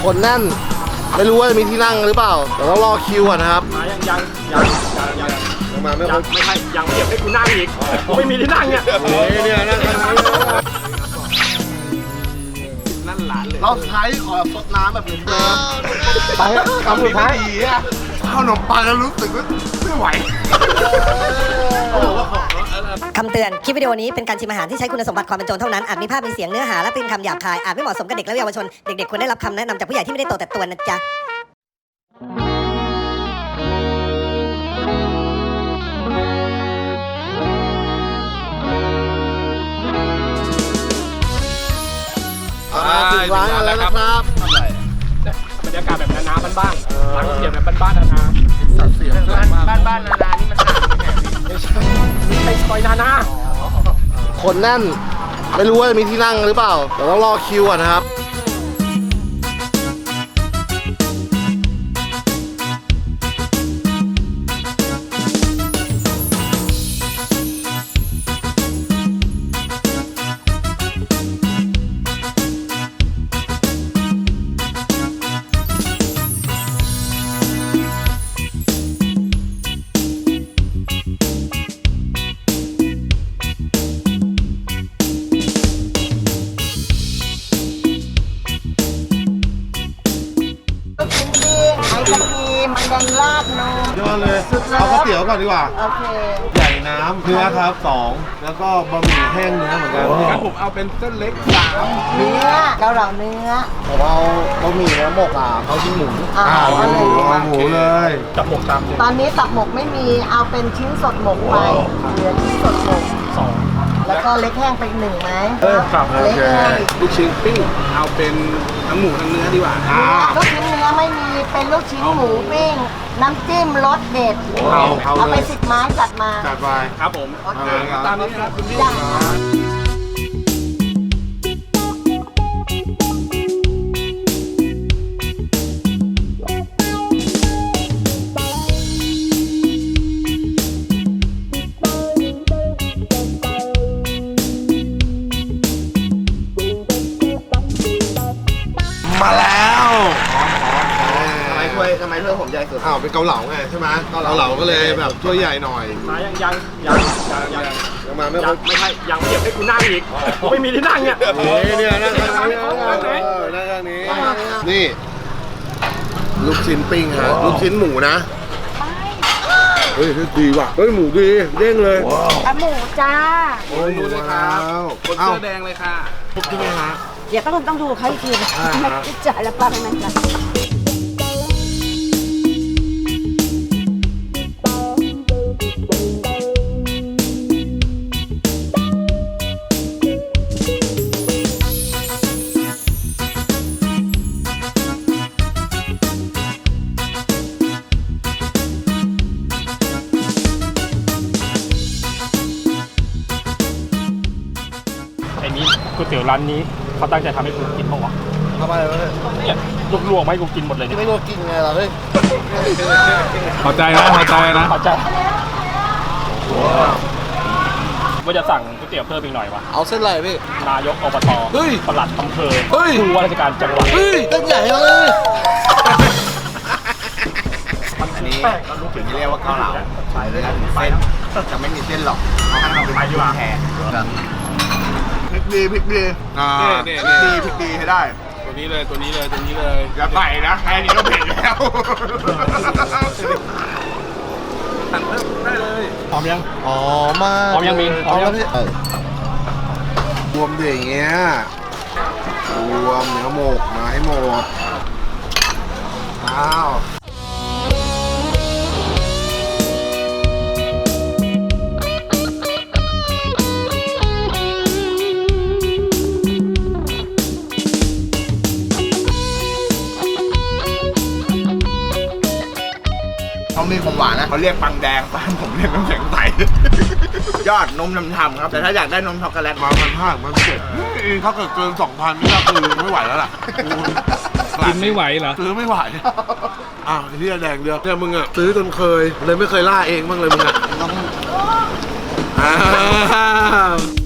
คนแน่นไม่รู้ว่าจะมีที่นั่งหรือเปล่าแต่ต้องรอคิวก่อนนะครับยังมาไม่ครบไม่ใช่ยังเก็บให้กูนั่งอีกไม่มีที่นั่งเนี่ยเนี่ยนั่งนั่นหลานเลยเราท้ายขอซดน้ำแบบเดิมไปคำสุดท้ายข้าวขนมปังแล้วรู้สึกว่าไม่ไหวคำเตือน คลิปวิดีโอนี้เป็นการชิมอาหารที่ใช้คุณสมบัติความเป็นโจรเท่านั้น อาจมีภาพมีเสียงเนื้อหาและเป็นคำหยาบคาย อาจไม่เหมาะสมกับเด็กและเยาวชน เด็กๆควรได้รับคำแนะนำจากผู้ใหญ่ที่ไม่ได้โตแต่ตัวนะจ๊ะถึงร้านแล้วนะครับบรรยากาศแบบนาๆบ้านๆร้านก๋วยเตี๋ยวแบบบ้านๆนาๆสัตว์เสียงบ้านนาๆนี่มันไม่ใช่ซอยนาๆคนแน่นไม่รู้ว่าจะมีที่นั่งหรือเปล่าแต่ต้องรอคิวก่อนนะครับมันแดงลาดนมยอดเลยเอาก๋วยเตี๋ยวก่อนดีกว่าโอเคใหญ่น้ำเนื้อครับ2แล้วก็บะหมี่แห้งเนื้อเหมือนกันงั้นผมเอาเป็นเส้นเล็ก3 เนื้อเกาเหลาเนื้อผมเอาบะหมี่เนื้อหมกเขาชิ้นหมูหมูเลยจับหมกตามตอนนี้ตับหมกไม่มีเอาเป็นชิ้นสดหมกไปเหลือชิ้นสดหมก2แล้วก็เล็กแห้งไป1ไหมครับเล็กแห้งลูกชิ้นปิ้งเอาเป็นทั้งหมูทั้งเนื้อดีกว่าลูกชิ้นเนื้อไม่มีเป็นลูกชิ้นหมูปิ้งน้ำจิ้มรสเด็ดเอาไป10 ไม้จัดมาจัดไปครับผมตามนี้ครับคุณพี่มาแล้วทำไมถ้วยผมใหญ่สุดเป็นเกาเหลาไงใช่ไหมเกาเหลาก็เลยแบบถ้วยใหญ่หน่อยมายังมาไม่ครบไม่ใช่ยังเก็บให้กูนั่งอีกไม่มีที่นั่งเนี่ยเนี่ยนั่งนี้นี่ลูกชิ้นปิ้งฮะลูกชิ้นหมูนะเฮ้ยดีว่ะเฮ้ยหมูดีเด้งเลยหมูจ้าโอ้ยดูเลยครับคนเสื้อแดงเลยค่ะครบใช่ไหมฮะเดี๋ยวต้องดูเขาอีกทีไม่จ่ายแล้วป้าไม่จ่ายก๋วยเตี๋ยวร้านนี้เขาตั้งใจทำให้กูกินบ้างวะทำอะไรวะเนี่ยลวกๆให้กูกินหมดเลยไม่ลวกกินไงล่ะเฮ้ยพอใจนะพอใจว่าจะสั่งก๋วยเตี๋ยวเพิ่มอีกหน่อยวะเอาเส้นอะไรพี่นายกอบตปลัดอำเภอผู้ว่าราชการจังหวัดเส้นใหญ่เลยอันนี้ถึงเรียกว่าเกาเหลาใช้เส้นจะไม่มีเส้นหรอกเอาให้มันเป็นแทนพริกดีพริกดีให้ได้ตัวนี้เลยอย่าใส่นะแค่นี้ก็เผ็ดแล้วสั่งเพิ่มได้เลยพร้อมยังมาพร้อมยังมีพร้อมแล้วพี่รวมดิอย่างเงี้ยรวมเนื้อหมกมาให้หมดเขามีของหวานนะเขาเรียกปังแดงบ้านผมเรียกน้ำแข็งใสยอดนมทำครับแต่ถ้าอยากได้นมช็อกโกแลตมา1,500 1,700ถ้าเกิดเกิน 2,000นี่ก็คือไม่ไหวแล้วล่ะกินไม่ไหวเหรอซื้อไม่ไหวที่แดงเดียวเนี่ยมึงอ่ะซื้อจนเคยเลยไม่เคยล่าเองบ้างเลยมึงอ่ะ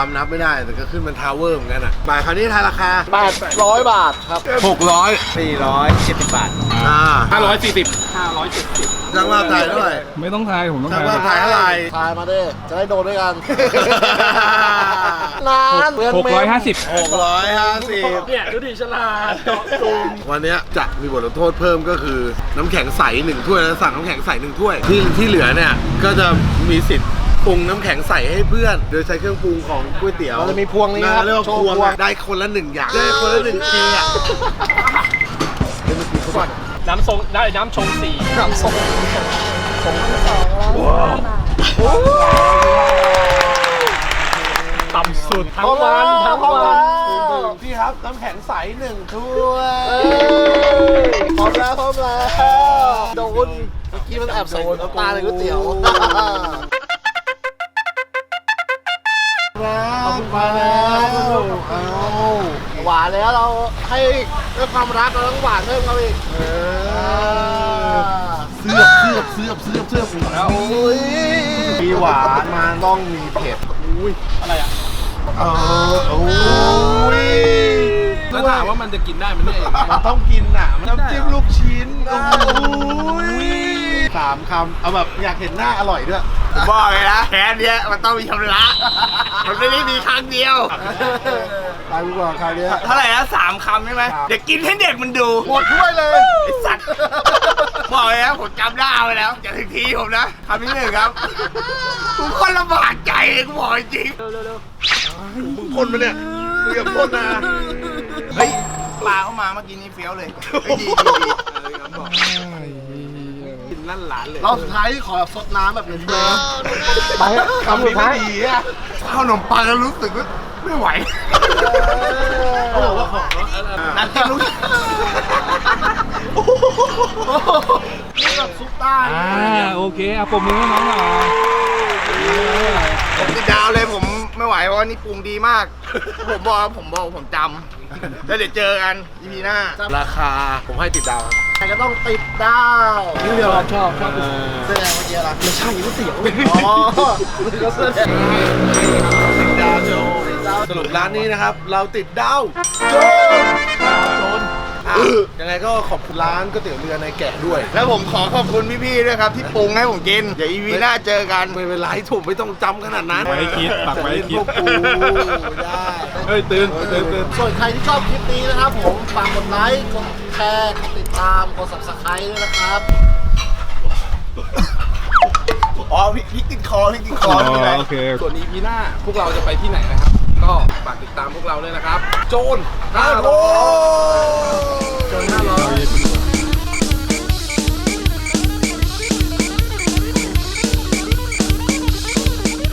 ามนับไม่ได้แต่ก็ขึ้นเป็นทาวเวอร์เหมือนกันอ่ะบ่ายคราวนี้ทายราคา 800 บาทครับ 600 470 บาทช่างว่าถ่ายเท่าไหร่ไม่ต้องทายผมต้องช่างทายว่าถ่ายเท่าไหร่ทายมาดิจะได้โดนด้วยกัน นานเปลืองเมม 650 650 เนี่ยดูดิฉลาดเจาะจงวันเนี้ยจะมีบทลงโทษเพิ่มก็คือน้ำแข็งใส1ถ้วยแล้วสั่งน้ำแข็งใส1ถ้วยที่เหลือเนี่ยก็จะมีสิทธิ์ปรุงน้ำแข็งใสให้เพื่อนโดยใช้เครื่องปรุงของก๋วยเตี๋ยวเราจะมีพวงนี้นะครับ เรียกว่าพวงได้คนละ1อย่างได้คนละ1ทีอ่ะน้ำทรงได้น้ำชงสีน้ำส้มต่ำสุดทั้งวันทั้งวันพี่ครับน้ำแข็งใส1ถ้วยพร้อมแล้วโดนเมื่อกี้มันแอบใส่น้ำตาในก๋วยเตี๋ยวขอบคุณมาแล้วเอาหวานแล้วเราให้ด้วยความรักเราต้องหวานเพิ่มเขาอีกเสื้อบแล้วโอ้ยมีหวานมาต้องมีเผ็ดอะไรอ่ะโอ้ยแล้วถามว่ามันจะกินได้มันได้ยังไงมันต้องกินอ่ะน้ำจิ้มลูกชิ้นโอ้ย3 คำเอาแบบอยากเห็นหน้าอร่อยด้วยผมบอกเลยนะแค่เนี้ยมันต้องมีชำระ มันไม่ได้มีครั้งเดียวตายกูก่อนคราวเนี้ยเท่าไหร่นะ3 คำใช่ไหมเดี๋ยวกินให้เด็กมันดูหมดถ้วยเลยไอสัตว์บอกเลยนะผมจำได้ไปแล้วจะถึงทีผมนะคำที่1ครับกูคนลำบากใจเลยกูบอกจริงมึงพ่นมาเนี่ยมึงอย่าพ่นนะเฮ้ยปลาเข้ามาเมื่อกี้นี้เฟี้ยวเลยเฮ้ยดีกินลั่นหลานเลยเราสุดท้ายที่ขอแบบซดน้ำแบบนี้เลยไปคำสุดท้ายดีอ่ะข้าวขนมปังแล้วรู้สึกว่าไม่ไหวเขาบอกว่าของน้ำจิ้มลูกนี่แบบซุปใต้โอเคเอาปมมือให้น้องหน่อยผมติดดาวเลยผมไม่ไหวเพราะว่านี่ปรุงดีมาก ผมบอกผมจำแล้วเดี๋ยวเจอกัน EP หน้าราคาผมให้ติดดาวครับใครก็ต้องติดดาวนี่เดียวชอบแสดงเมื่อกี้อะไรไม่ใช่ก๋วยเตี๋ยวอ๋อก็แสดงติดดาวโจสรุปร้านนี้นะครับ เราติดดาวโจนยังไงก็ขอบคุณร้านก๋วยเตี๋ยวเรือในแกะด้วยแล้วผมขอขอบคุณพี่ๆด้วยครับที่ปรุงให้ผมกิน เดี๋ยว EP หน้าเจอกันไม่เป็นไรถูกไม่ต้องจำขนาดนั้นไว้ให้คิดปักไว้ให้คิดพวกกูได้เฮ้ยตื่นส่วนใครที่ชอบคลิปนี้นะครับผมฝากกดไลค์กดแชร์กดติดตามกด subscribe ด้วยนะครับอ๋อพี่ติดคอไม่เป็นไรโอเคส่วน EP หน้าพวกเราจะไปที่ไหนนะครับ ก็ฝากติดตามพวกเราด้วยนะครับ โจน500 โจน500